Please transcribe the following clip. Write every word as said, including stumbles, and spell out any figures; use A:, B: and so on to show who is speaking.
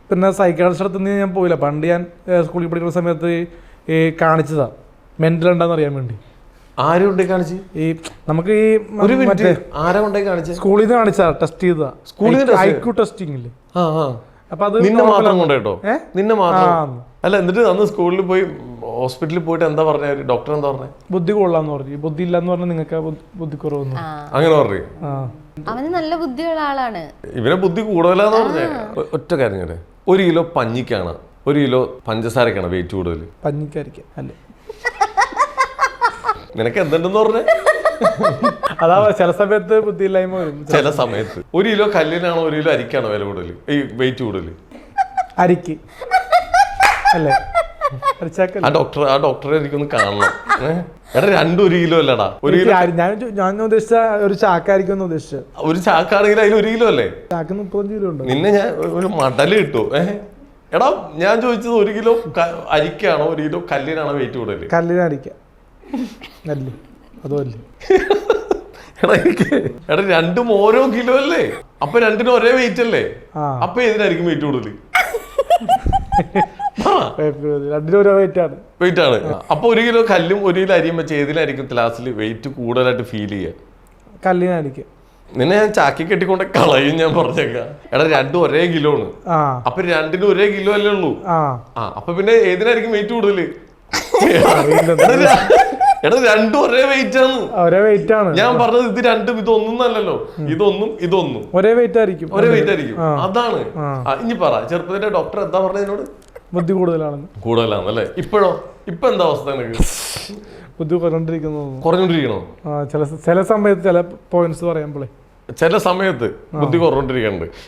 A: പിന്നെ സൈക്കാട്രിസ്റ്റ് അടുത്ത് ഞാൻ പോയില്ല. പണ്ട് ഞാൻ സ്കൂളിൽ പഠിക്കുന്ന സമയത്ത് ഈ കാണിച്ചതാ മെന്റൽ ഉണ്ടെന്ന് അറിയാൻ വേണ്ടി.
B: ആരും കൊണ്ടേ കാണിച്ച്?
A: ഈ നമുക്ക് ഈ
B: മറ്റേ ആരാ കൊണ്ടേ കാണിച്ച?
A: സ്കൂളിൽ നിന്ന് കാണിച്ചതാ, ടെസ്റ്റ് ചെയ്തതാ, ഐക്യു ടെസ്റ്റിംഗ് ഇല്ലേ.
B: അപ്പൊ അത് നിന്നെ മാത്രം കൊണ്ടേട്ടോ? നിന്നെ മാത്രം? അല്ല, എന്നിട്ട് അന്ന് സ്കൂളിൽ പോയി ഹോസ്പിറ്റലിൽ പോയിട്ട് എന്താ പറഞ്ഞ ഡോക്ടർ? എന്താ പറഞ്ഞ?
A: ബുദ്ധി കൊള്ളാന്ന് പറഞ്ഞു. ബുദ്ധി ഇല്ലാന്ന് പറഞ്ഞാൽ നിങ്ങൾക്ക് ബുദ്ധി കുറവൊന്നും
B: അങ്ങനെ പറഞ്ഞു.
C: അവന് നല്ല ബുദ്ധിയുള്ള ആളാണ്.
B: ഇവനെ ബുദ്ധി കൂടുതലാന്ന് പറഞ്ഞേ. ഒറ്റ കാര്യം കേട്ടെ, ഒരു കിലോ പഞ്ഞിക്കാണ് ഒരു കിലോ പഞ്ചസാരക്കാണ് വെയിറ്റ് കൂടുതൽ?
A: പഞ്ഞിക്കായിരിക്കും അല്ലേ?
B: നിനക്ക് എന്തുണ്ടെന്ന് പറഞ്ഞേ?
A: അതാ ചില സമയത്ത് ബുദ്ധിയില്ലായ്മ വരും.
B: ചില സമയത്ത് ഒരു കിലോ കല്ലിനാണോ ഒരു കിലോ അരിക്കാണോ വില കൂടുതൽ, ഈ വെയിറ്റ് കൂടുതൽ?
A: അരിക്ക് അല്ലേ?
B: ആ ഡോക്ടർ ആ ഡോക്ടറെ എനിക്കൊന്ന് കാണണം. എടാ രണ്ടും ഒരു കിലോ അല്ലടാ. ഒരു കിലോ
A: ഞാൻ ഞാൻ ഉദ്ദേശിച്ച ഒരു ചാക്കായിരിക്കും ഉദ്ദേശിച്ചത്.
B: ഒരു ചാക്കാണെങ്കിൽ അതിൽ ഒരു കിലോ അല്ലേ?
A: ചാക്ക് മുപ്പത്തഞ്ച് കിലോ ഉണ്ട്.
B: നിന്നെ ഞാൻ ഒരു മടല് കിട്ടും. ഏഹ് എടാ, ഞാൻ ചോദിച്ചത് ഒരു കിലോ അരിക്കാണോ ഒരു കിലോ കല്ലിനാണോ വെയിറ്റ് കൂടുതൽ?
A: കല്ലിനരിക്ക അല്ലേ? അതുമല്ലേ?
B: എടാ എനിക്ക് എടാ രണ്ടും ഓരോ കിലോ അല്ലേ? അപ്പൊ രണ്ടിനും ഒരേ വെയിറ്റ് അല്ലേ? അപ്പൊ ഏതിനായിരിക്കും വെയിറ്റ് കൂടുതൽ?
A: രണ്ടിനും ഓരോ വെയിറ്റ് ആണ്.
B: വെയിറ്റ് ആണ്. അപ്പൊ ഒരു കിലോ കല്ലും ഒരു കിലോ അരിയും വെച്ച് ഏതിനായിരിക്കും ക്ലാസ്സിൽ വെയിറ്റ് കൂടുതലായിട്ട് ഫീൽ ചെയ്യുക?
A: കല്ലിനായിരിക്കും.
B: നിന്നെ ഞാൻ ചാക്കി കെട്ടിക്കൊണ്ട് കളയും ഞാൻ പറഞ്ഞേക്കാം. എടാ രണ്ടും ഒരേ കിലോ ആണ്. അപ്പൊ രണ്ടിനും ഒരേ കിലോ അല്ലേ ഉള്ളൂ? ആ അപ്പൊ പിന്നെ ഏതിനായിരിക്കും വെയിറ്റ് കൂടുതൽ? എടാ രണ്ടും ഒരേ വെയിറ്റ് ആണ്.
A: ഒരേ വെയിറ്റ് ആണ്
B: ഞാൻ പറഞ്ഞത്. ഇത് രണ്ടും ഇതൊന്നും അല്ലല്ലോ. ഇതൊന്നും ഇതൊന്നും
A: ഒരേ വെയിറ്റ് ആയിരിക്കും.
B: ഒരേ വെയിറ്റ് ആയിരിക്കും. അതാണ്. ഇനി പറ, ചെറുപ്പത്തിന്റെ ഡോക്ടർ എന്താ പറഞ്ഞതിനോട്?
A: ബുദ്ധി കൂടുതലാണെന്ന്.
B: കൂടുതലാണല്ലേ? ഇപ്പോഴോ? ഇപ്പൊ എന്താ അവസ്ഥ നിനക്ക്?
A: ബുദ്ധി കുറഞ്ഞോണ്ടിരിക്കുന്നു.
B: കുറഞ്ഞോണ്ടിരിക്കണോ?
A: ചില ചില സമയത്ത് ചില പോയിന്റ്സ് പറയുമ്പോഴേ
B: ചില സമയത്ത് ബുദ്ധി കുറഞ്ഞോണ്ടിരിക്കുന്നുണ്ട്.